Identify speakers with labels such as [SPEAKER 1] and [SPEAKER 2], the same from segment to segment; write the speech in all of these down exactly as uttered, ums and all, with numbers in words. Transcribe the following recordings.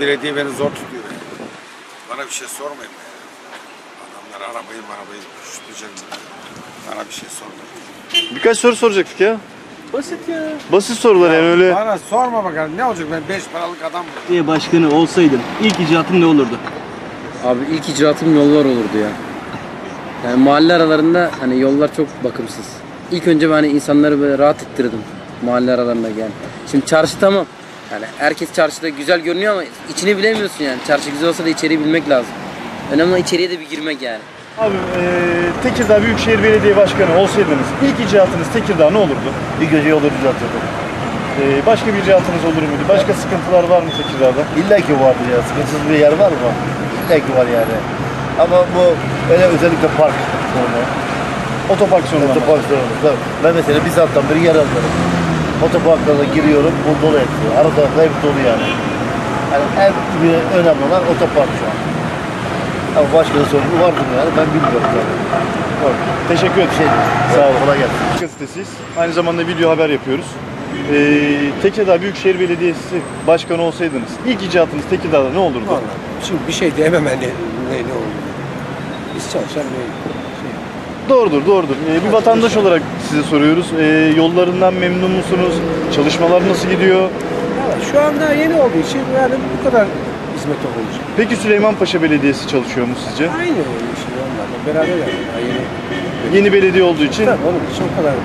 [SPEAKER 1] belediye beni zor tutuyor. Bana bir şey sormayın ya. Adamlar arabayı arabayı tutacak. Bana bir şey sormayın.
[SPEAKER 2] Birkaç soru soracaktık ya.
[SPEAKER 3] Basit ya.
[SPEAKER 2] Basit sorular yani öyle.
[SPEAKER 1] Bana sorma bakalım ne olacak, ben beş paralık adam mı?
[SPEAKER 3] Belediye başkanı olsaydın ilk icraatın ne olurdu?
[SPEAKER 4] Abi ilk icraatım yollar olurdu ya. Yani mahalle aralarında hani yollar çok bakımsız. İlk önce ben hani insanları böyle rahat ettirdim mahalle aralarında yani. Şimdi çarşı tamam. Yani herkes çarşıda güzel görünüyor ama içini bilemiyorsun yani. Çarşı güzel olsa da içeriği bilmek lazım. Önemli olan içeriye de bir girmek yani.
[SPEAKER 2] Abi e, Tekirdağ Büyükşehir Belediye Başkanı olsaydınız ilk icraatınız Tekirdağ ne olurdu?
[SPEAKER 5] İlk önce yolu düzeltirdim.
[SPEAKER 2] E, başka bir icraatınız olur muydu? Başka sıkıntılar var mı Tekirdağ'da?
[SPEAKER 5] İlla ki vardır ya. Sıkıntısız bir yer var mı? İlla ki var yani. Ama bu öyle özellikle park sorunu.
[SPEAKER 2] Otopark sorunu.
[SPEAKER 5] Otopark sorunu. Tabii. Ben mesela bir saatten beri yer alırım. Otoparklara giriyorum, bu dolu etmiyor. Ara tarafta hep dolu yani. Yani en bir önemli olan otopark şu an. Ama başka da sorunu vardır yani, ben bilmiyorum tabii. Var.
[SPEAKER 2] Teşekkür ederim.
[SPEAKER 5] Şey,
[SPEAKER 2] Sağ olun.
[SPEAKER 5] Kolay gelsin.
[SPEAKER 2] Gazetesiyiz. Aynı zamanda video haber yapıyoruz. E, Tekirdağ Büyükşehir Belediyesi Başkanı olsaydınız ilk icraatınız Tekirdağ'da ne olurdu?
[SPEAKER 6] Vallahi şimdi bir şey diyemem hani ne, ne olur. Biz çalışan bir şey.
[SPEAKER 2] Doğrudur, doğrudur. Ee, bir vatandaş olarak size soruyoruz. Ee, yollarından memnun musunuz? Çalışmalar nasıl gidiyor?
[SPEAKER 6] Valla şu anda yeni olduğu için yani bu kadar hizmet olacak.
[SPEAKER 2] Peki Süleymanpaşa Belediyesi çalışıyor mu sizce?
[SPEAKER 6] Aynı oluyor şimdi onlarla beraber yani. Daha yeni.
[SPEAKER 2] Yeni belediye olduğu için.
[SPEAKER 6] Tabii onun için o kadar.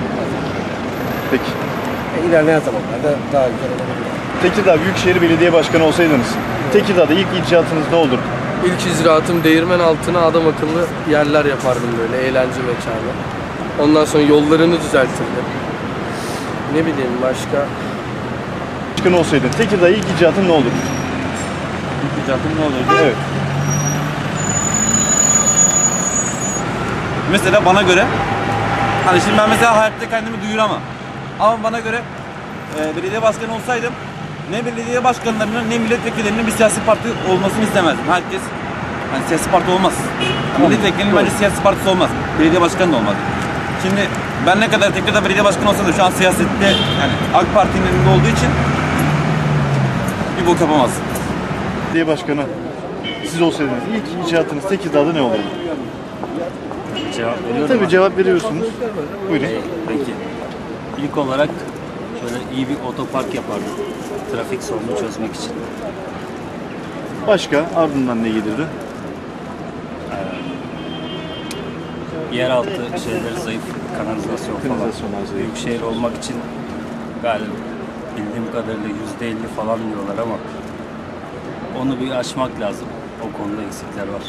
[SPEAKER 2] Peki.
[SPEAKER 6] E, ilerleyen zamanlarda daha güzel olabilir.
[SPEAKER 2] Tekirdağ Büyükşehir Belediye Başkanı olsaydınız, Tekirdağ'da ilk icraatınız ne olurdu?
[SPEAKER 7] İlk icraatım değirmen altına adam akıllı yerler yapardım böyle eğlence mekanı. Ondan sonra yollarını düzeltirdim. Ne bileyim başka.
[SPEAKER 2] Başkan olsaydın, Tekirdağ ilk icraatın ne olurdu?
[SPEAKER 8] İlk icraatım ne olurdu?
[SPEAKER 2] Evet.
[SPEAKER 8] Mesela bana göre, hani şimdi ben mesela hayatta kendimi duyuramam. Ama bana göre e, belediye başkanı olsaydım ne belediye başkanlarının ne milletvekillerinin bir siyasi parti olmasını istemezdim. Herkes hani siyasi parti olmaz. Milletvekilinin bence siyasi partisi olmaz. Belediye başkanı da olmaz. Şimdi ben ne kadar Tekirdağ belediye başkanı olsam da şu an siyasette yani AK Parti'nin elinde olduğu için bir bok yapamaz.
[SPEAKER 2] Belediye Başkanı siz olsaydınız ilk icraatınız Tekirdağ'da ne olurdu?
[SPEAKER 9] Cevap veriyorum.
[SPEAKER 2] Tabii cevap veriyorsunuz. Buyurun.
[SPEAKER 9] Ee, peki. İlk olarak şöyle iyi bir otopark yapardım. Trafik sorunu çözmek için.
[SPEAKER 2] Başka ardından ne gelirdi?
[SPEAKER 9] Ee, yeraltı şeyleri zayıf, kanalizasyon falan.
[SPEAKER 2] Kanalizasyon zayıf.
[SPEAKER 9] Büyükşehir olmak için galiba bildiğim kadarıyla yüzde elli falan diyorlar ama onu bir aşmak lazım. O konuda eksikler var.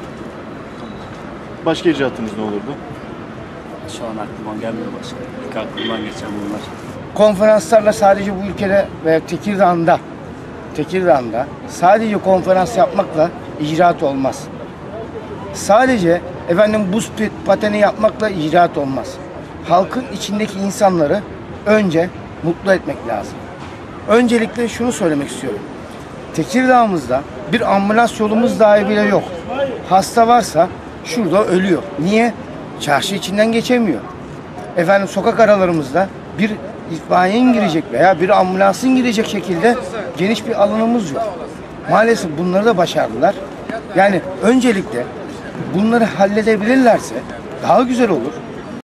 [SPEAKER 2] Başka icraatınız ne olurdu?
[SPEAKER 9] Şu an aklıma gelmiyor başka. İlk aklımdan geçen bunlar.
[SPEAKER 10] Konferanslarla sadece bu ülkede ve Tekirdağ'da Tekirdağ'da sadece konferans yapmakla icraat olmaz. Sadece efendim buz pateni yapmakla icraat olmaz. Halkın içindeki insanları önce mutlu etmek lazım. Öncelikle şunu söylemek istiyorum. Tekirdağ'ımızda bir ambulans yolumuz dahi bile yok. Hasta varsa şurada ölüyor. Niye? Çarşı içinden geçemiyor. Efendim sokak aralarımızda bir itfaiyenin girecek veya bir ambulansın girecek şekilde geniş bir alanımız yok. Maalesef bunları da başardılar. Yani öncelikle bunları halledebilirlerse daha güzel olur.